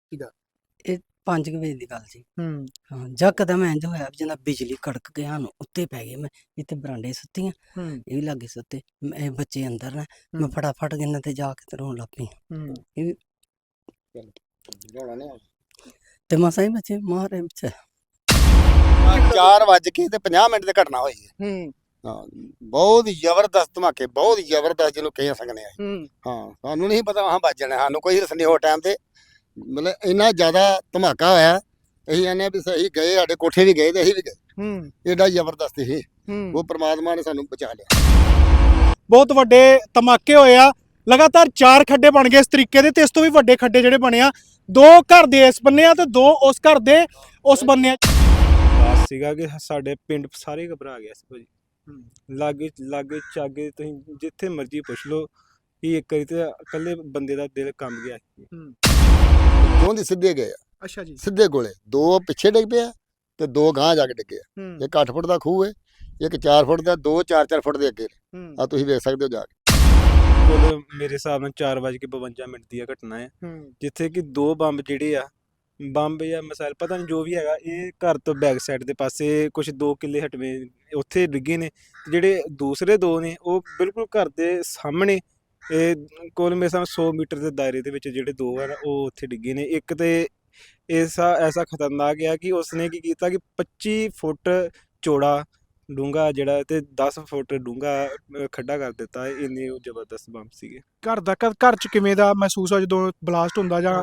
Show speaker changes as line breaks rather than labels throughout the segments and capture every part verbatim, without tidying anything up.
ਸੀਗਾ?
ਇਹ ਪੰਜ ਕੁ ਵਜੇ ਦੀ ਗੱਲ ਸੀ।
ਹੂੰ
ਹਾਂ, ਯਕਦਮ ਇੰਝ ਹੋਇਆ ਵੀ ਜਿੱਦਾਂ ਬਿਜਲੀ ਕੜਕ ਕੇ ਸਾਨੂੰ ਉੱਤੇ ਪੈ ਗਈ। ਮੈਂ ਇੱਥੇ ਬਰਾਂਡੇ ਸੁੱਤੀ ਹਾਂ,
ਹੂੰ
ਇਹ ਵੀ ਲਾਗੇ ਸੁੱਤੇ। ਮੈਂ- ਇਹ ਬੱਚੇ ਅੰਦਰ ਨੇ, ਮੈਂ
ਹੂੰ
ਫਟਾਫਟ ਇਹਨਾਂ ਤੇ ਜਾ ਕੇ ਤੇ ਰੋਣ ਲੱਗ ਪਈ।
ਹੂੰ
ਇਹ ਵੀ ਤੇ ਮਸਾਂ ਹੀ ਬੱਚੇ ਮਾਰੇ ਵਿੱਚ।
ਚਾਰ ਵੱਜ ਕੇ ਤੇ ਪੰਜਾਹ ਮਿੰਟ ਦੀ ਘਟਨਾ ਹੋਈ ਹੈ।
ਹੂੰ
ਹਾਂ, ਬਹੁਤ ਹੀ ਜ਼ਬਰਦਸਤ ਧਮਾਕੇ, ਬਹੁਤ ਹੀ ਜ਼ਬਰਦਸਤ ਜਿਹਨੂੰ ਕਹਿ ਸਕਦੇ ਆ।
ਹੂੰ
ਹਾਂ, ਸਾਨੂੰ ਨਹੀਂ ਪਤਾ ਹਾਂ ਵੱਜ ਜਾਣਾ, ਸਾਨੂੰ ਕੋਈ ਰਸ ਨਹੀਂ ਹੋ ਟਾਈਮ ਤੇ। ਮਤਲਬ ਇੰਨਾ ਜ਼ਿਆਦਾ ਧਮਾਕਾ ਹੋਇਆ, ਅਸੀਂ ਆਨੇ ਵੀ ਸਹੀ ਗਏ, ਸਾਡੇ ਕੋਠੇ ਵੀ ਗਏ ਤੇ ਅਸੀਂ ਵੀ ਗਏ।
ਹੂੰ
ਏਡਾ ਜ਼ਬਰਦਸਤ ਸੀ,
ਹੂੰ
ਉਹ ਪ੍ਰਮਾਤਮਾ ਨੇ ਸਾਨੂੰ ਬਚਾ ਲਿਆ।
ਬਹੁਤ ਵੱਡੇ ਧਮਾਕੇ ਹੋਏ ਆ। ਲਗਾਤਾਰ ਚਾਰ ਖੱਡੇ ਬਣ ਗਏ ਇਸ ਤਰੀਕੇ ਦੇ, ਤੇ ਇਸ ਤੋਂ ਵੀ ਵੱਡੇ ਖੱਡੇ ਜਿਹੜੇ ਬਣੇ ਆ, ਦੋ ਘਰ ਦੇ ਇਸ ਬੰਨੇ ਆ ਤੇ ਦੋ ਉਸ ਘਰ ਦੇ ਉਸ ਬੰਨੇ ਆ।
ਬਾਤ ਸੀਗਾ ਕਿ ਸਾਡੇ ਪਿੰਡ ਸਾਰੇ ਘਬਰਾ ਗਿਆ ਸੀ ਭਾਜੀ। ਲਾਗੇ ਲਾਗੇ ਚਾਗੇ ਤੁਸੀਂ ਜਿੱਥੇ ਮਰਜ਼ੀ ਪੁੱਛ ਲਓ ਕਿ ਇੱਕ ਵਾਰੀ ਤੇ ਇਕੱਲੇ ਬੰਦੇ ਦਾ ਦਿਲ ਕੰਬ ਗਿਆ ਸੀ।
ਦੋਹਾਂ ਦੀ ਸਿੱਧੇ ਗਏ ਆ,
ਅੱਛਾ ਜੀ।
ਸਿੱਧੇ ਗੋਲੇ, ਦੋ ਪਿੱਛੇ ਡਿੱਗ ਪਿਆ ਤੇ ਦੋ ਗਾਂਹ ਜਾ ਕੇ ਡਿੱਗੇ ਆ।
ਹੂੰ
ਇੱਕ ਅੱਠ ਫੁੱਟ ਦਾ ਖੂਹ ਹੈ, ਇੱਕ ਚਾਰ ਫੁੱਟ ਦਾ, ਦੋ ਚਾਰ ਚਾਰ ਫੁੱਟ ਦੇ ਅੱਗੇ
ਹੂੰ
ਆ, ਤੁਸੀਂ ਵੇਖ ਸਕਦੇ ਹੋ ਜਾ ਕੇ।
ਕੁੱਲ ਮੇਰੇ ਹਿਸਾਬ ਨਾਲ ਚਾਰ ਵੱਜ ਕੇ ਬਵੰਜਾ ਮਿੰਟ ਦੀ ਆ ਘਟਨਾ ਹੈ,
ਹੂੰ
ਜਿੱਥੇ ਕਿ ਦੋ ਬੰਬ ਜਿਹੜੇ ਆ, ਬੰਬ ਜਾਂ ਮਿਸਾਈਲ ਪਤਾ ਨਹੀਂ ਜੋ ਵੀ ਹੈਗਾ, ਇਹ ਘਰ ਤੋਂ ਬੈਕ ਸਾਈਡ ਦੇ ਪਾਸੇ ਕੁਝ ਦੋ ਕਿੱਲੇ ਹਟਵੇਂ ਉੱਥੇ ਡਿੱਗੇ ਨੇ। ਤੇ ਜਿਹੜੇ ਦੂਸਰੇ ਦੋ ਨੇ ਉਹ ਬਿਲਕੁਲ ਘਰ ਦੇ ਸਾਹਮਣੇ, ਇਹ ਕੋਲ ਮੇਰੇ ਸਾਹਮਣੇ ਸੌ ਮੀਟਰ ਦੇ ਦਾਇਰੇ ਦੇ ਵਿੱਚ ਜਿਹੜੇ ਦੋ ਆ ਉਹ ਉੱਥੇ ਡਿੱਗੇ ਨੇ। ਇੱਕ ਤੇ ਐਸਾ ਐਸਾ ਖਤਰਨਾਕ ਆ ਕਿ ਉਸਨੇ ਕੀ ਕੀਤਾ ਕਿ ਪੱਚੀ ਫੁੱਟ ਚੌੜਾ ਡੂੰਘਾ ਜਿਹੜਾ ਤੇ ਦਸ ਫੁੱਟ ਡੂੰਘਾ ਖੱਡਾ ਕਰ ਦਿੱਤਾ। ਇੰਨੇ ਉਹ ਜ਼ਬਰਦਸਤ ਬੰਬ ਸੀਗੇ।
ਘਰ ਦਾ ਘਰ ਘਰ ਚ ਕਿਵੇਂ ਦਾ ਮਹਿਸੂਸ ਹੋਇਆ ਜਦੋਂ ਬਲਾਸਟ ਹੁੰਦਾ ਜਾਂ?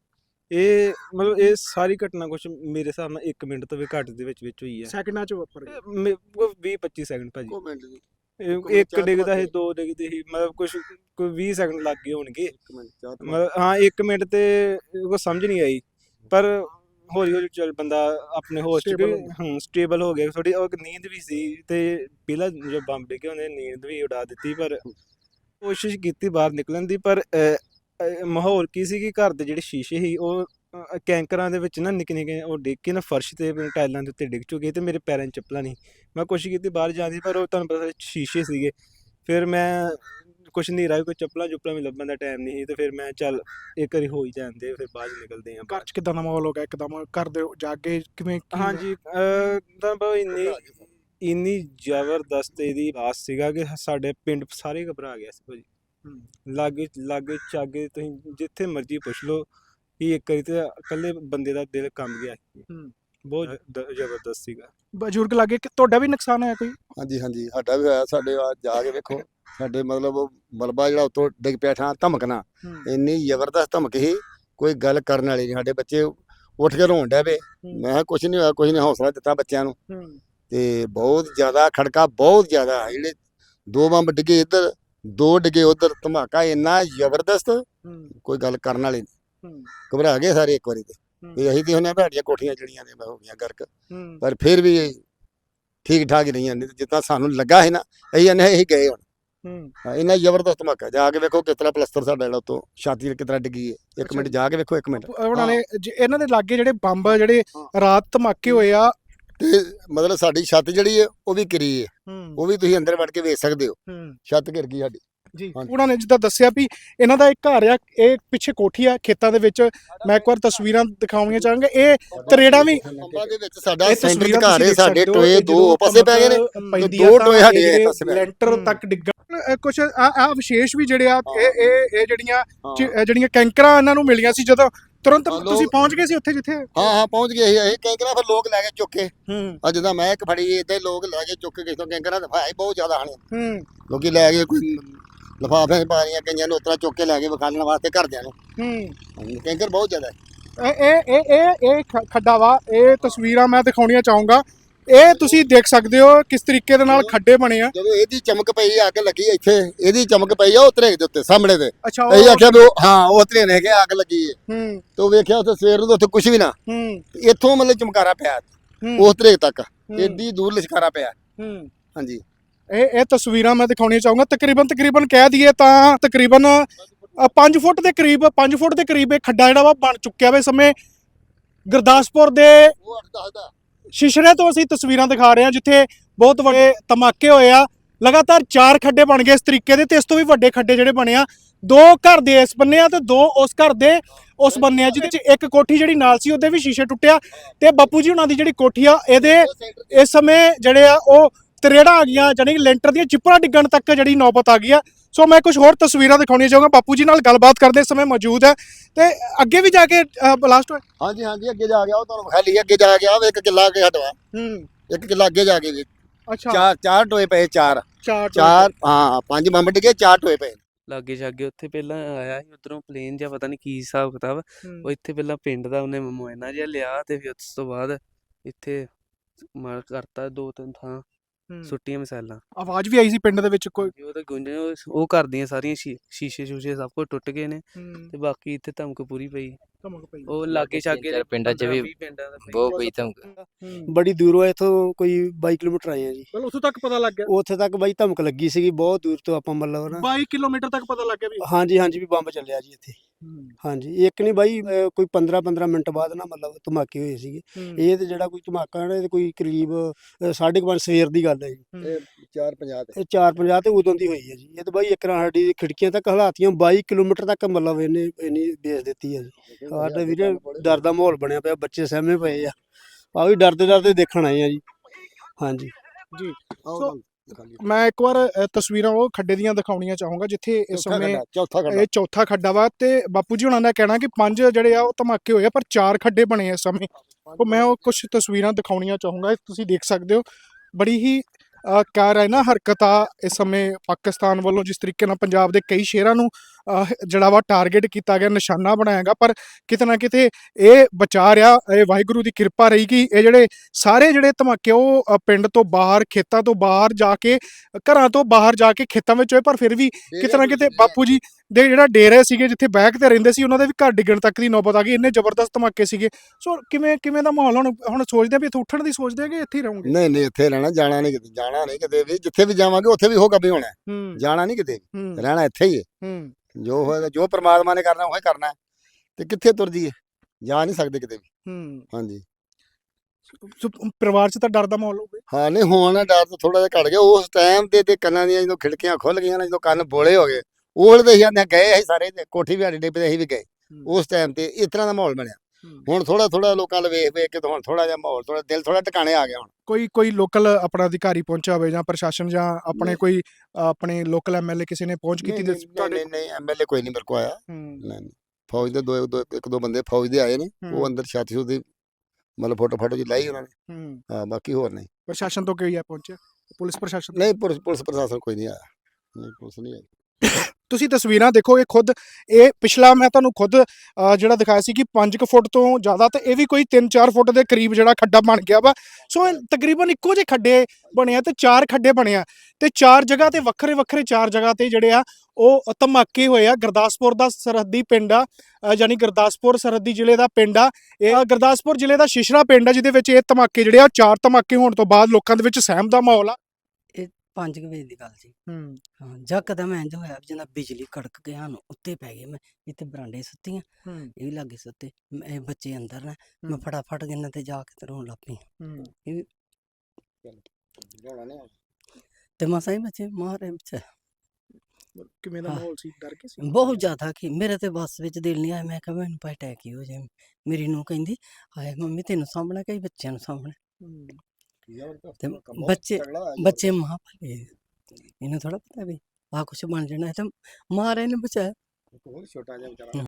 ਇਹ ਮਤਲਬ ਇਹ ਸਾਰੀ ਘਟਨਾ ਕੁਛ ਮੇਰੇ ਹਿਸਾਬ ਨਾਲ ਇੱਕ ਮਿੰਟ ਤੋਂ ਵੀ ਘੱਟ ਦੇ ਵਿੱਚ ਵਿੱਚ ਹੋਈ ਹੈ।
ਸੈਕਿੰਡਾਂ ਚ ਵਾਪਰ ਗਿਆ?
ਵੀਹ ਪੱਚੀ ਸੈਕਿੰਡ ਭਾਜੀ।
ਇੱਕੋ ਮਿੰਟ ਦੀ,
ਇਹ ਇੱਕ ਡਿੱਗਦਾ ਸੀ, ਦੋ ਡਿੱਗਦੇ ਸੀ, ਮਤਲਬ ਕੁਛ ਕੋਈ ਵੀਹ ਸੈਕਿੰਡ ਲੱਗ ਗਏ ਹੋਣਗੇ।
ਇੱਕ ਮਿੰਟ ਚਾਹ ਤੋਂ
ਮਤਲਬ ਹਾਂ ਇੱਕ ਮਿੰਟ ਤੇ ਕੋਈ ਸਮਝ ਨਹੀਂ ਆਈ, ਪਰ ਹੌਲੀ ਹੌਲੀ ਚੱਲ ਬੰਦਾ ਆਪਣੇ ਹੋਸ਼ ਚ
Stable
ਵੀ
ਹੋ ਗਿਆ।
ਹਾਂ ਸਟੇਬਲ ਹੋ ਗਿਆ ਥੋੜੀ। ਉਹ ਇੱਕ ਨੀਂਦ ਵੀ ਸੀ ਤੇ ਪਹਿਲਾਂ ਜੋ ਬੰਬ ਡਿੱਗੇ ਉਹਨੇ ਨੀਂਦ ਵੀ ਉਡਾ ਦਿੱਤੀ, ਪਰ ਕੋਸ਼ਿਸ਼ ਕੀਤੀ ਬਾਹਰ ਨਿਕਲਣ ਦੀ। ਪਰ ਅਹ, ਅਹ, ਮਾਹੌਲ ਕੀ ਸੀ ਕਿ ਘਰ ਦੇ ਜਿਹੜੇ ਸ਼ੀਸ਼ੇ ਸੀ ਉਹ ਅਹ, ਕੈਂਕਰਾਂ ਦੇ ਵਿੱਚ ਨਾ ਨਿੱਕੇ ਨਿੱਕੇ ਉਹ ਡਿੱਗ ਕੇ ਨਾ ਫਰਸ਼ ਤੇ ਟਾਈਲਾਂ ਦੇ ਉੱਤੇ ਡਿੱਗ ਚੁੱਕੇ ਤੇ ਮੇਰੇ ਪੈਰਾਂ 'ਚ ਚੱਪਲਾਂ ਨਹੀਂ। ਮੈਂ ਕੋਸ਼ਿਸ਼ ਕੀਤੀ ਬਾਹਰ ਜਾਣ ਦੀ, ਪਰ ਉਹ ਤੁਹਾਨੂੰ ਪਤਾ ਸ਼ੀਸ਼ੇ ਸੀਗੇ। ਫਿਰ ਮੈਂ ਕੁਛ ਹਨੇਰਾ ਵੀ, ਕੋਈ ਚੱਪਲਾਂ ਚੁੱਪਲਾਂ ਵੀ ਲੱਭਣ ਦਾ ਟਾਈਮ ਨਹੀਂ ਸੀ, ਤੇ ਫਿਰ ਮੈਂ ਚੱਲ ਇੱਕ ਵਾਰੀ ਹੋ ਹੀ ਜਾਂਦੇ, ਫਿਰ ਬਾਅਦ 'ਚ ਨਿਕਲਦੇ ਆਂ।
ਘਰ ਚ ਕਿਦਾਂ ਦਾ ਮਾਹੌਲ ਹੋ ਗਿਆ ਇੱਕਦਮ? ਘਰ ਦੇ ਜਾਗੇ ਕਿਵੇਂ ਕੀ ਹੋਇਆ?
ਹਾਂਜੀ ਅਹ, ਤਾਂ ਬਹੁਤ ਇੰਨੀ ਇੰਨੀ ਜ਼ਬਰਦਸਤ ਇਹਦੀ ਆਸ ਸੀਗਾ ਕਿ ਸਾਡੇ ਪਿੰਡ ਸਾਰੇ ਘਬਰਾ ਗਿਆ ਸੀ ਭਾਜੀ।
ਹੂੰ
ਲਾਗੇ ਲਾਗੇ ਚਾਗੇ ਤੁਸੀਂ ਜਿੱਥੇ ਮਰਜ਼ੀ ਪੁੱਛ ਲਓ ਕਿ ਇੱਕ ਵਾਰੀ ਤੇ ਇਕੱਲੇ ਬੰਦੇ ਦਾ ਦਿਲ ਕੰਬ ਗਿਆ ਸੀ।
ਹੂੰ
ਬਹੁਤ ਦ- ਜ਼ਬਰਦਸਤ ਸੀਗਾ।
ਬਜ਼ੁਰਗ ਲੱਗੇ ਕਿ ਤੁਹਾਡਾ ਵੀ ਨੁਕਸਾਨ ਹੋਇਆ ਕੋਈ?
ਹਾਂਜੀ ਹਾਂਜੀ, ਸਾਡਾ ਵੀ ਹੋਇਆ। ਸਾਡੇ ਆ ਜਾ ਕੇ ਵੇਖੋ, ਸਾਡੇ ਮਤਲਬ ਉਹ ਮਲਬਾ ਜਿਹੜਾ ਉੱਤੋਂ ਡਿੱਗ ਪਿਆ ਠਾਂ ਧਮਕਣਾ,
ਹੂੰ
ਇੰਨੀ ਜ਼ਬਰਦਸਤ ਧਮਕ ਸੀ, ਕੋਈ ਗੱਲ ਕਰਨ ਵਾਲੀ ਨਹੀਂ। ਸਾਡੇ ਬੱਚੇ ਉੱਠ ਕੇ ਰੋਣ ਡੈ ਪਏ। ਮੈਂ ਕਿਹਾ ਕੁਛ ਨਹੀਂ ਹੋਇਆ, ਕੁਛ ਨਹੀਂ, ਹੌਸਲਾ ਦਿੱਤਾ ਬੱਚਿਆਂ ਨੂੰ।
ਹੂੰ
ਤੇ ਬਹੁਤ ਜ਼ਿਆਦਾ ਖੜਕਾ, ਬਹੁਤ ਜ਼ਿਆਦਾ ਜਿਹੜੇ ਦੋ ਬੰਬ ਡਿੱਗੇ ਇੱਧਰ, ਦੋ ਡਿੱਗੇ ਉੱਧਰ, ਧਮਾਕਾ ਇੰਨਾ ਜ਼ਬਰਦਸਤ,
ਹੂੰ
ਕੋਈ ਗੱਲ ਕਰਨ ਵਾਲੀ ਨਹੀਂ।
ਹੂੰ
ਘਬਰਾ ਗਏ ਸਾਰੇ ਇੱਕ ਵਾਰੀ ਤੇ।
ਹੂੰ।
ਤੇ ਅਸੀਂ ਤੇ ਹੁੰਦੇ ਸਾਡੀਆਂ ਕੋਠੀਆਂ ਜਿਹੜੀਆਂ ਨੇ ਹੋ ਗਈਆਂ ਗਰਕ,
ਹੂੰ
ਪਰ ਫਿਰ ਵੀ ਠੀਕ ਠਾਕ ਹੀ ਰਹੀਆਂ। ਨਹੀਂ ਜਿੱਦਾਂ ਸਾਨੂੰ ਲੱਗਾ ਸੀ ਨਾ, ਅਸੀਂ ਇਹਨੇ ਅਸੀਂ ਗਏ ਹੁਣ।
ਹੂੰ
ਹਾਂ, ਇੰਨਾ ਜ਼ਬਰਦਸਤ ਧਮਾਕਾ। ਜਾ ਕੇ ਵੇਖੋ ਕਿਸ ਤਰ੍ਹਾਂ ਪਲਸਤਰ ਸਾਡਾ ਜਿਹੜਾ ਉੱਤੋਂ ਛਾਤੀ ਕਿਸ ਤਰ੍ਹਾਂ ਡਿੱਗੀ ਹੈ। ਇੱਕ
ਅੱਛਾ
ਮਿੰਟ
ਜੀ।
ਜਾ ਕੇ ਵੇਖੋ, ਇੱਕ ਮਿੰਟ।
ਉਹਨਾਂ ਨੇ ਜ- ਇਹਨਾਂ ਦੇ ਲਾਗੇ ਜਿਹੜੇ ਬੰਬ ਜਿਹੜੇ
ਹਾਂ।
ਰਾਤ ਧਮਾਕੇ ਹੋਏ ਆ।
ਤੇ ਮਤਲਬ ਸਾਡੀ ਛੱਤ ਜਿਹੜੀ ਹੈ ਉਹ ਵੀ ਗਿਰੀ ਹੈ,
ਹੂੰ
ਉਹ ਵੀ ਤੁਸੀਂ ਅੰਦਰ ਵੜ ਕੇ ਵੇਖ ਸਕਦੇ ਹੋ।
ਹੂੰ
ਛੱਤ ਗਿਰ ਗਈ ਸਾਡੀ।
ਜੀ।
ਹਾਂਜੀ।
ਉਹਨਾਂ ਨੇ ਜਿੱਦਾਂ ਦੱਸਿਆ ਵੀ ਇਹਨਾਂ ਦਾ ਇੱਕ ਘਰ ਆ, ਇਹ ਪਿੱਛੇ ਕੋਠੀ ਆ ਖੇਤਾਂ ਦੇ ਵਿੱਚ। ਮੈਂ ਇੱਕ ਵਾਰ ਤਸਵੀਰਾਂ ਦਿਖਾਉਣੀਆਂ ਚਾਹਾਂਗਾ। ਇਹ ਤਰੇੜਾਂ ਵੀ
ਅੰਬਾਂ ਦੇ ਵਿੱਚ ਸਾਡਾ
ਇਹ
ਸੈਂਟਰ
ਤਸਵੀਰਾਂ
ਘਰ
ਤੁਸੀਂ
ਹੈ,
ਦੇਖ
ਸਾਡੇ
ਸਕਦੇ ਹੋ।
ਟੋਏ
ਇਹ
ਦੋ
ਜਦੋਂ
ਪਾਸੇ ਪੈ ਗਏ ਨੇ,
ਧਮਕ
ਤੇ
ਪੈਂਦੀ ਆ
ਦੋ
ਤਾਂ
ਟੋਏ
ਇਹ
ਸਾਡੇ
ਜਿਹੜੇ
ਪਾਸੇ ਪੈ ਗਏ।
ਲੈਂਟਰ
ਹੂੰ।
ਤੱਕ ਡਿੱਗਣ ਕੁਝ ਆ ਆ ਵਿਸ਼ੇਸ਼ ਵੀ ਜਿਹੜੇ ਆ ਇਹ ਇਹ ਇਹ ਜਿਹੜੀਆਂ
ਹਾਂ।
ਚ- ਇਹ ਜਿਹੜੀਆਂ ਕੈਂਕਰਾਂ ਇਹਨਾਂ ਨੂੰ ਮਿਲੀਆਂ ਸੀ, ਜਦੋਂ ਤੁਰੰਤ
ਹਾਂ, ਲੋਕ-
ਤੁਸੀਂ ਪਹੁੰਚ ਗਏ ਸੀ ਉੱਥੇ ਜਿੱਥੇ?
ਹਾਂ ਹਾਂ, ਪਹੁੰਚ ਗਏ ਸੀ ਅਸੀਂ। ਕੈਂਕਰਾਂ ਫਿਰ ਲੋਕ ਲੈ ਕੇ ਚੁੱਕ ਕੇ,
ਹੂੰ
ਅੱਜ ਦਾ ਮੈਂ ਇੱਕ ਫੜੀ ਇੱਥੇ ਲੋਕ ਲੈ ਕੇ ਚੁੱਕ ਕੇ ਕਿਸੇ ਤੋਂ ਕੈਂਕਰਾਂ ਦਿਖਾਇਆ ਬਹੁਤ ਜ਼ਿਆਦਾ ਹਨ।
ਹੂੰ
ਲੋਕੀ ਲੈ ਕੇ ਕੋਈ ਲਿਫਾਫੇ ਪਾ ਰਹੀਆਂ, ਕਈਆਂ ਨੂੰ ਉਤਰਾ ਚੁੱਕ ਕੇ ਲੈ ਕੇ ਵਿਖਾਲਣ ਵਾਸਤੇ ਘਰਦਿਆਂ ਨੂੰ।
ਹੂੰ
ਕੈਂਕਰ ਬਹੁਤ ਜ਼ਿਆਦਾ ਹੈ।
ਇਹ ਇਹ ਇਹ ਇਹ ਇਹ ਖ- ਖੱਡਾ ਵਾ। ਇਹ ਤਸਵੀਰਾਂ ਮੈਂ ਦਿਖਾਉਣੀਆਂ ਚਾਹੂੰਗਾ। ਇਹ ਤੁਸੀਂ ਦੇਖ ਸਕਦੇ ਹੋ ਕਿਸ ਤਰੀਕੇ ਦੇ ਨਾਲ ਖੱਡੇ ਬਣੇ ਆ।
ਜਦੋਂ ਇਹਦੀ ਚਮਕ ਪਈ, ਅੱਗ ਲੱਗੀ ਇੱਥੇ, ਇਹਦੀ ਚਮਕ ਪਈ ਆ ਉਹ ਤਰੇਕ ਦੇ ਉੱਤੇ ਸਾਹਮਣੇ ਤੇ।
ਅੱਛਾ
ਅਸੀਂ
ਉਹ
ਆਖਿਆ ਵੀ ਉਹ- ਹਾਂ ਉਹ ਤਰੇਕ ਨੇ ਕਿ ਅੱਗ ਲੱਗੀ ਹੈ।
ਹੂੰ
ਤੇ ਉਹ ਵੇਖਿਆ ਉੱਥੇ ਸਵੇਰ ਨੂੰ ਤਾਂ ਉੱਥੇ ਕੁਝ ਵੀ ਨਾ,
ਹੂੰ
ਇੱਥੋਂ ਮਤਲਬ ਚਮਕਾਰਾ ਪਿਆ
ਹੂੰ
ਉਸ ਤਰੇਕ ਤੱਕ,
ਹੂੰ।
ਏਡੀ ਦੂਰ ਲਿਸ਼ਕਾਰਾ ਪਿਆ।
ਹੂੰ
ਹਾਂਜੀ।
ਇਹ ਇਹ ਤਸਵੀਰਾਂ ਮੈਂ ਦਿਖਾਉਣੀਆਂ ਚਾਹੂੰਗਾ। ਤਕਰੀਬਨ ਤਕਰੀਬਨ ਕਹਿ ਦਈਏ ਤਾਂ ਤਕਰੀਬਨ ਪੰਜ ਫੁੱਟ ਦੇ ਕਰੀਬ ਪੰਜ ਫੁੱਟ ਦੇ ਕਰੀਬ ਇਹ ਖੱਡਾ ਜਿਹੜਾ ਵਾ ਬਣ ਚੁੱਕਿਆ ਵਾ ਇਸ ਸਮੇਂ। ਗੁਰਦਾਸਪੁਰ ਦੇ
ਉਹ ਅੱਠ ਦਸ ਦਾ
ਸ਼ਿਸ਼ਰੇ ਤੋਂ ਅਸੀਂ ਤਸਵੀਰਾਂ ਦਿਖਾ ਰਹੇ ਹਾਂ ਜਿੱਥੇ ਬਹੁਤ ਵੱਡੇ ਧਮਾਕੇ ਹੋਏ ਆ। ਲਗਾਤਾਰ ਚਾਰ ਖੱਡੇ ਬਣ ਗਏ ਇਸ ਤਰੀਕੇ ਦੇ, ਤੇ ਇਸ ਤੋਂ ਵੀ ਵੱਡੇ ਖੱਡੇ ਜਿਹੜੇ ਬਣੇ ਆ, ਦੋ ਘਰ ਦੇ ਇਸ ਬੰਨੇ ਆ ਤੇ ਦੋ ਉਸ ਘਰ ਦੇ ਉਸ ਬੰਨੇ ਆ ਜਿਹਦੇ ਚ ਇੱਕ ਕੋਠੀ ਜਿਹੜੀ ਨਾਲ ਸੀ ਉਹਦੇ ਵੀ ਸ਼ੀਸ਼ੇ ਟੁੱਟਿਆ ਤੇ ਬਾਪੂ ਜੀ ਉਹਨਾਂ ਦੀ ਜਿਹੜੀ ਕੋਠੀ ਆ ਇਹਦੇ ਇਸ ਸਮੇਂ ਜਿਹੜੇ ਆ ਉਹ ਤਰੇੜਾਂ ਆ ਗਈਆਂ, ਜਾਣੀ ਕਿ ਲੈਂਟਰ ਦੀਆਂ ਚਿੱਪਰਾਂ ਡਿੱਗਣ ਤੱਕ ਜਿਹੜੀ ਨੌਬਤ ਆ ਗਈ ਆ। ਸੋ ਮੈਂ ਕੁਝ ਹੋਰ ਤਸਵੀਰਾਂ ਦਿਖਾਉਣੀਆਂ ਚਾਹਾਂਗਾ, ਬਾਪੂ ਜੀ ਨਾਲ ਗੱਲਬਾਤ ਕਰਦੇ ਇਸ ਸਮੇਂ ਮੌਜੂਦ ਹੈ ਤੇ ਅੱਗੇ ਵੀ ਜਾ ਕੇ ਬਲਾਸਟ ਹੋਇਆ।
ਹਾਂਜੀ ਹਾਂਜੀ ਅੱਗੇ ਜਾ ਗਿਆ ਉਹ ਤੁਹਾਨੂੰ ਵਿਖਾ ਲਈ, ਅੱਗੇ ਜਾ ਗਿਆ ਉਹ ਇੱਕ ਕਿੱਲਾ ਅੱਗੇ ਹਟਵਾ,
ਹੂੰ
ਇੱਕ ਕਿੱਲਾ ਅੱਗੇ ਜਾ ਕੇ ਵੀ
ਅੱਛਾ
ਚਾਰ ਚਾਰ ਟੋਏ ਪਏ, ਚਾਰ
ਚਾਰ
ਚਾਰ ਹਾਂ ਪੰਜ ਬੰਬ ਡਿੱਗੇ, ਚਾਰ ਟੋਏ ਪਏ।
ਲਾਗੇ ਛਾਗੇ ਉੱਥੇ ਪਹਿਲਾਂ ਆਇਆ ਸੀ ਉਧਰੋਂ ਪਲੇਨ ਜਾਂ ਪਤਾ ਨਹੀਂ ਕੀ ਹਿਸਾਬ ਕਿਤਾਬ, ਉਹ ਇੱਥੇ ਪਹਿਲਾਂ ਪਿੰਡ ਦਾ ਉਹਨੇ ਮੁਆਇਨਾ ਜਿਹਾ ਲਿਆ ਤੇ ਫਿਰ ਉਸ ਤੋਂ ਬਾਅਦ ਇੱਥੇ ਮਾਰ ਕਰਤਾ ਦੋ ਤਿੰਨ ਥਾਂ ਸੁੱਟੀਆਂ ਮਿਸਾਲਾਂ।
ਆਵਾਜ਼ ਵੀ ਆਈ ਸੀ ਪਿੰਡ ਦੇ ਵਿੱਚ ਕੋਈ।
ਉਹ ਤਾਂ ਗੁੰਜੇ ਉਹ- ਉਹ ਘਰ ਦੀਆਂ ਸਾਰੀਆਂ ਸ਼ੀ- ਸ਼ੀਸ਼ੇ ਸ਼ੂਸ਼ੇ ਸਭ ਕੁਝ ਟੁੱਟ ਗਏ ਨੇ ਤੇ ਬਾਕੀ ਇੱਥੇ ਧਮਕ ਪੂਰੀ ਪਈ। ਉਹ ਲਾਗੇ ਛਾਗੇ ਦੇ
ਪਿੰਡਾਂ 'ਚ ਵੀ
ਪਿੰਡਾਂ ਦਾ ਪਈ।
ਬਹੁਤ ਪਈ ਧਮਕ।
ਬੜੀ ਦੂਰੋਂ ਇੱਥੋਂ ਕੋਈ ਬਾਈ ਕਿਲੋਮੀਟਰ ਆਏ ਆ ਜੀ।
ਚਲੋ ਉੱਥੋਂ ਤੱਕ ਪਤਾ ਲੱਗ ਗਿਆ,
ਉੱਥੇ ਤੱਕ ਬਾਈ ਧਮਕ ਲੱਗੀ ਸੀਗੀ ਬਹੁਤ ਦੂਰ ਤੋਂ, ਆਪਾਂ ਮਤਲਬ ਨਾ
ਬਾਈ ਕਿਲੋਮੀਟਰ ਤੱਕ ਪਤਾ ਲੱਗ ਗਿਆ ਵੀ।
ਹਾਂਜੀ ਹਾਂਜੀ ਵੀ ਬੰਬ ਚੱਲਿਆ ਜੀ ਇੱਥੇ। ਹਾਂਜੀ ਇੱਕ ਨਹੀਂ ਬਾਈ ਅਹ ਕੋਈ ਪੰਦਰਾਂ ਪੰਦਰਾਂ ਮਿੰਟ ਬਾਅਦ ਨਾ ਮਤਲਬ ਧਮਾਕੇ ਹੋਏ ਸੀਗੇ। ਇਹ ਤੇ ਜਿਹੜਾ ਕੋਈ ਧਮਾਕਾ ਨਾ ਇਹ ਤੇ ਕੋਈ ਕਰੀਬ ਅਹ ਸਾਢੇ ਕੁ ਪੰਜ ਸਵੇਰ ਦੀ ਗੱਲ ਹੈ ਜੀ।
ਇਹ ਚਾਰ ਪੰਜਾਹ ਤੇ
ਇਹ ਚਾਰ ਪੰਜਾਹ ਤੇ ਉਦੋਂ ਦੀ ਹੋਈ ਹੈ ਜੀ। ਇਹ ਤਾਂ ਬਾਈ ਇੱਕ ਰਾਂ ਸਾਡੀ ਖਿੜਕੀਆਂ ਤੱਕ ਹਲਾਤੀਆਂ, ਬਾਈ ਕਿਲੋਮੀਟਰ ਤੱਕ ਮਤਲਬ ਇਹਨੇ ਇੰਨੀ ਬੇਸ ਦਿੱਤੀ ਹੈ ਜੀ। ਸਾਡੇ ਵੀਰੇ ਡਰ ਦਾ ਮਾਹੌਲ ਬਣਿਆ ਪਿਆ, ਬੱਚੇ ਸਹਿਮੇ ਪਏ ਆ, ਆ ਵੀ ਡਰਦੇ ਡਰਦੇ ਦੇਖਣ ਆਏ ਆ ਜੀ। ਹਾਂਜੀ
ਜੀ
ਸੋ
ਮੈਂ ਇੱਕ ਵਾਰ ਅ, ਤਸਵੀਰਾਂ ਉਹ ਖੱਡੇ ਦੀਆਂ ਦਿਖਾਉਣੀਆਂ ਚਾਹੂੰਗਾ ਜਿੱਥੇ ਇਸ ਸਮੇਂ
ਚੌਥਾ ਖੱਡਾ
ਇਹ ਚੌਥਾ ਖੱਡਾ ਵਾ ਤੇ ਬਾਪੂ ਜੀ ਹੁਣਾਂ ਦਾ ਕਹਿਣਾ ਕਿ ਪੰਜ ਜਿਹੜੇ ਆ ਉਹ ਧਮਾਕੇ ਹੋਏ ਆ ਪਰ ਚਾਰ ਖੱਡੇ ਬਣੇ ਆ ਇਸ ਸਮੇਂ। ਉਹ ਮੈਂ ਉਹ ਕੁਝ ਤਸਵੀਰਾਂ ਦਿਖਾਉਣੀਆਂ ਚਾਹੂੰਗਾ, ਇਹ ਤੁਸੀਂ ਦੇਖ ਸਕਦੇ ਹੋ। ਬੜੀ ਹੀ ਅ, ਕਹਿ ਰਹੇ ਨਾ ਹਰਕਤ ਆ ਇਸ ਸਮੇਂ ਪਾਕਿਸਤਾਨ ਵੱਲੋਂ, ਜਿਸ ਤਰੀਕੇ ਨਾਲ ਪੰਜਾਬ ਦੇ ਕਈ ਸ਼ਹਿਰਾਂ ਨੂੰ ਅ, ਜਿਹੜਾ ਵਾ ਟਾਰਗੇਟ ਕੀਤਾ ਗਿਆ, ਨਿਸ਼ਾਨਾ ਬਣਾਇਆ ਗਿਆ, ਪਰ ਕਿਤੇ ਨਾ ਕਿਤੇ ਇਹ ਬਚਾ ਰਿਹਾ। ਇਹ ਵਾਹਿਗੁਰੂ ਦੀ ਕਿਰਪਾ ਰਹੀ ਕਿ ਇਹ ਜਿਹੜੇ ਸਾਰੇ ਜਿਹੜੇ ਧਮਾਕੇ ਉਹ ਅ, ਪਿੰਡ ਤੋਂ ਬਾਹਰ, ਖੇਤਾਂ ਤੋਂ ਬਾਹਰ ਜਾ ਕੇ, ਘਰਾਂ ਤੋਂ ਬਾਹਰ ਜਾ ਕੇ ਖੇਤਾਂ ਵਿੱਚ ਹੋਏ, ਪਰ ਫਿਰ ਵੀ ਕਿਤੇ ਨਾ ਕਿਤੇ ਬਾਪੂ ਜੀ ਦੇ ਜਿਹੜਾ ਡੇਰੇ ਸੀਗੇ ਜਿੱਥੇ ਬੈਕ ਤੇ ਰਹਿੰਦੇ ਸੀ ਉਹਨਾਂ ਦੇ ਵੀ ਘਰ ਡਿੱਗਣ ਤੱਕ ਦੀ ਨੌਬਤ ਆ ਗਈ। ਇੰਨੇ ਜ਼ਬਰਦਸਤ ਧਮਾਕੇ ਸੀਗੇ। ਸੋ ਕਿਵੇਂ ਕਿਵੇਂ ਦਾ ਮਾਹੌਲ ਹੁਣ ਹੁਣ ਸੋਚਦੇ ਆ ਵੀ ਇੱਥੇ ਉੱਠਣ ਦੀ ਸੋਚਦੇ ਆ ਕਿ ਇੱਥੇ ਹੀ ਰਹੋਗੇ?
ਨਹੀਂ ਨਹੀਂ ਇੱਥੇ ਰਹਿਣਾ, ਜਾਣਾ ਨਹੀਂ ਕਿਤੇ, ਜਾਣਾ ਨਹੀਂ ਕਿਤੇ ਵੀ। ਜਿੱਥੇ ਵੀ ਜਾਵਾਂਗੇ ਉੱਥੇ ਵੀ ਹੋਗਾ ਵੀ ਹੋਣਾ,
ਹੂੰ
ਜਾਣਾ ਨਹੀਂ ਕਿਤੇ,
ਹੂੰ
ਰਹਿਣਾ ਇੱਥੇ ਹੀ ਹੈ।
ਹੂੰ
ਜੋ ਹੋਏਗਾ, ਜੋ ਪ੍ਰਮਾਤਮਾ ਨੇ ਕਰਨਾ ਉਹ ਹੀ ਕਰਨਾ ਹੈ। ਤੇ ਕਿੱਥੇ ਤੁਰ ਜੀਏ, ਜਾ ਨਹੀਂ ਸਕਦੇ ਕਿਤੇ ਵੀ।
ਹੂੰ
ਹਾਂਜੀ
ਸੋ ਪਰਿਵਾਰ 'ਚ ਤਾਂ ਡਰ ਦਾ ਮਾਹੌਲ ਹੋਵੇ।
ਹਾਂ ਨਹੀਂ ਹੁਣ ਡਰ ਤਾਂ ਥੋੜਾ ਜਿਹਾ ਘਟ ਗਿਆ। ਉਸ ਟਾਈਮ ਤੇ ਤੇ ਕੰਨਾਂ ਦੀਆਂ ਜਦੋਂ ਖਿੜਕੀਆਂ ਖੁੱਲ ਗਈਆਂ ਨਾ, ਜਦੋਂ ਕੰਨ ਬੋਲੇ ਹੋ ਗਏ, ਉਹਦੇ ਹੀ ਆਂਦੇ ਗਏ ਅਸੀਂ ਸਾਰੇ ਤੇ ਕੋਠੀ ਵੀ ਸਾਡੀ ਡਿੱਬੇ ਅਸੀਂ ਵੀ ਗਏ। ਉਸ ਟਾਈਮ ਤੇ ਇਸ ਤਰ੍ਹਾਂ ਦਾ ਮਾਹੌਲ ਬਣਿਆ। ਹੁਣ ਥੋੜਾ ਥੋੜਾ ਲੋਕਾਂ ਨੂੰ ਵੇਖ ਵੇਖ ਕੇ ਤਾਂ ਹੁਣ ਥੋੜਾ ਜਿਹਾ ਮਾਹੌਲ, ਥੋੜਾ ਦਿਲ ਥੋੜਾ ਟਿਕਾਣੇ ਆ ਗਿਆ ਹੁਣ।
ਕੋਈ ਕੋਈ ਲੋਕਲ ਆਪਣਾ ਅਧਿਕਾਰੀ ਪਹੁੰਚਿਆ ਹੋਵੇ ਜਾਂ ਪ੍ਰਸ਼ਾਸਨ ਜਾਂ ਆਪਣੇ
ਨਹੀਂ।
ਕੋਈ ਅ, ਆਪਣੇ ਲੋਕਲ ਐਮਐਲਏ ਕਿਸੇ ਨੇ ਪਹੁੰਚ ਕੀਤੀ
ਨਹੀਂ
ਤੇ
ਨਹੀਂ ਨਹੀਂ ਨਹੀਂ ਐਮਐਲਏ ਕੋਈ ਨਹੀਂ ਮੇਰੇ ਕੋ ਆਇਆ।
ਹੂੰ
ਨਹੀਂ ਨਹੀਂ ਫੌਜ ਦੇ ਦੋ ਦੋ ਇੱਕ ਦੋ ਬੰਦੇ ਫੌਜ ਦੇ ਆਏ ਨੇ, ਉਹ ਅੰਦਰ ਛਾਤੀ ਉਹਦੀ ਮਤਲਬ ਫੋਟੋ ਫੋਟੋ ਜੀ ਲਾਈ ਉਹਨਾਂ ਨੇ।
ਹੂੰ
ਹਾਂ ਬਾਕੀ ਹੋਰ ਨਹੀਂ।
ਪ੍ਰਸ਼ਾਸਨ ਤੋਂ ਕੋਈ ਆ ਪਹੁੰਚਿਆ? ਪੁਲਿਸ ਪ੍ਰਸ਼ਾਸਨ?
ਨਹੀਂ ਪੁਲਿਸ ਪੁਲਿਸ ਪ੍ਰਸ਼ਾਸਨ ਕੋਈ ਨਹੀਂ ਆਇਆ। ਨਹੀਂ ਪੁਲਿਸ ਨਹੀਂ ਆਈ।
ਤੁਸੀਂ ਤਸਵੀਰਾਂ ਦੇਖੋ, ਇਹ ਖੁਦ ਇਹ ਪਿਛਲਾ ਮੈਂ ਤੁਹਾਨੂੰ ਖੁਦ ਅ, ਜਿਹੜਾ ਦਿਖਾਇਆ ਸੀ ਕਿ ਪੰਜ ਕੁ ਫੁੱਟ ਤੋਂ ਜ਼ਿਆਦਾ ਤੇ ਇਹ ਵੀ ਕੋਈ ਤਿੰਨ ਚਾਰ ਫੁੱਟ ਦੇ ਕਰੀਬ ਜਿਹੜਾ ਖੱਡਾ ਬਣ ਗਿਆ ਵਾ। ਸੋ ਇਹ ਤਕਰੀਬਨ ਇੱਕੋ ਜਿਹੇ ਖੱਡੇ ਬਣੇ ਆ ਤੇ ਚਾਰ ਖੱਡੇ ਬਣੇ ਆ ਤੇ ਚਾਰ ਜਗ੍ਹਾ ਤੇ ਵੱਖਰੇ ਵੱਖਰੇ ਚਾਰ ਜਗ੍ਹਾ ਤੇ ਜਿਹੜੇ ਆ ਉਹ ਧਮਾਕੇ ਹੋਏ ਆ। ਗੁਰਦਾਸਪੁਰ ਦਾ ਸਰਹੱਦੀ ਪਿੰਡ ਆ, ਅ, ਯਾਨੀ ਗੁਰਦਾਸਪੁਰ ਸਰਹੱਦੀ ਜ਼ਿਲ੍ਹੇ ਦਾ ਪਿੰਡ ਆ ਇਹ। ਅ, ਗੁਰਦਾਸਪੁਰ ਜ਼ਿਲ੍ਹੇ ਦਾ ਸ਼ਿਸ਼ਰਾ ਪਿੰਡ ਆ ਜਿਹਦੇ ਵਿੱਚ ਇਹ ਧਮਾਕੇ ਜਿਹੜੇ ਆ, ਚਾਰ ਧਮਾਕੇ ਹੋਣ ਤੋਂ ਬਾਅਦ ਲੋਕਾਂ ਦੇ ਵਿੱਚ ਸਹਿਮ ਦਾ ਮਾਹੌਲ ਆ।
ਪੰਜ ਕੁ ਵਜੇ ਦੀ ਗੱਲ ਜੀ।
ਹੂੰ
ਹਾਂ ਜੱਕਦਮ ਇੰਝ ਹੋਇਆ ਵੀ ਜਿੱਦਾਂ ਬਿਜਲੀ ਕੜਕ ਕੇ ਸਾਨੂੰ ਉੱਤੇ ਪੈ ਗਏ। ਮੈਂ ਇੱਥੇ ਬਰਾਂਡੇ ਸੁੱਤੀ ਆਂ,
ਹੂੰ
ਇਹ ਵੀ ਲਾਗੇ ਸੁੱਤੇ, ਮੈਂ- ਇਹ ਬੱਚੇ ਅੰਦਰ ਨੇ, ਮੈਂ ਫਟਾਫਟ ਇਹਨਾਂ ਤੇ ਜਾ ਕੇ ਤੇ ਰੋਣ ਲੱਗ ਪਈ
ਹੂੰ
ਤੇ ਮਸਾਂ ਹੀ ਬੱਚੇ ਮਾਰੇ ਵਿੱਚ।
ਕਿਵੇਂ ਦਾ
ਹਾਂ।
ਮਾਹੌਲ ਸੀ? ਡਰ ਕੇ ਸੀ?
ਬਹੁਤ ਜ਼ਿਆਦਾ ਕਿ ਮੇਰੇ ਤੇ ਬੱਸ ਵਿੱਚ ਦਿਲ ਨਹੀਂ ਆਇਆ। ਮੈਂ ਕਿਹਾ ਮੈਨੂੰ ਭਾਈ ਅਟੈਕ ਹੀ ਹੋ ਜਾਏ। ਮੇਰੀ ਨੂੰ ਕਹਿੰਦੀ ਹਾਏ ਮੰਮੀ ਤੈਨੂੰ ਸਾਂਭਣਾ ਕਈ ਬੱਚਿਆਂ ਨੂੰ ਸਾਂਭਣਾ।
ਹੂੰ
ਤੇ ਬੱਚੇ ਬੱਚੇ ਮਾਂ ਭਲੇ, ਇਹਨੂੰ ਥੋੜਾ ਪਤਾ ਵੀ ਆਹ ਕੁਛ ਬਣ ਜਾਣਾ ਹੈ ਤੇ ਮਾਂ ਨੇ ਬਚਾਇਆ।
ਛੋਟਾ ਜਿਹਾ ਵਿਚਾਰਾ